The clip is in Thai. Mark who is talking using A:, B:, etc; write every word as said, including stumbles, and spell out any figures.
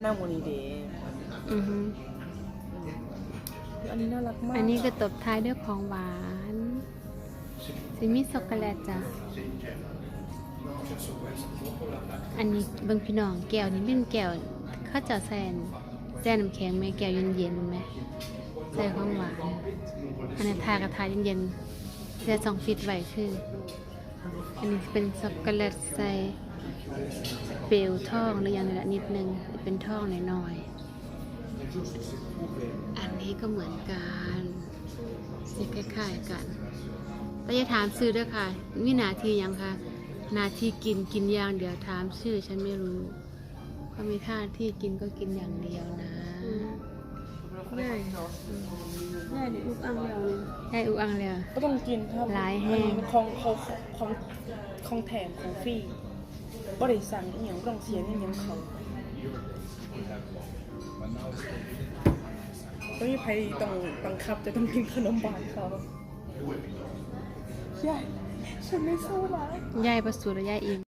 A: หน้าโมนีเดย์
B: อือฮึ
A: อันนี้น่ารักมาก
B: อันนี้ก็ตบท้ายด้วยของหวานซิมิช็อกโกแลตจ้ะอันนี้เบิ่งพี่น้องแก้วนี้เป็นแก้วข้าวเจ้าแซนแซนน้ำแข็งไหมแก้วเย็นๆไหมใส่ของหวานอันนี้ทากระทาเย็นๆแช่สองฟิตไว้คืออันนี้เป็นช็อกโกแลตใส่เปลวทองหรืออย่างนี้ละนิดนึงเป็นทองหน่อยๆอันนี้ก็เหมือนกันสีคล้ายๆกันแต่อย่าถามซื้อด้วยค่ะมีหน้าที่ยังคะหน้าที่กินกินอย่างเดียวถามชื่อฉันไม่รู้เขามีท่าที่กินก็กินอย่างเดียวนะ
C: ง่ายง่ายดิลูกอังเราเลย
B: ได้อุอังเลย
A: ก็ต้องกินครับ
B: หลายแห้ง
A: ของของของของแถมของฟรีบริสั่งอหย่างต้องเสียอหย่างเขาไม่มีใครต้องบังคับจะต้องกินขนมบานเขาใช่ฉันไม่สู้นะ
B: ย่ายประสูติและย่ายอิ่ม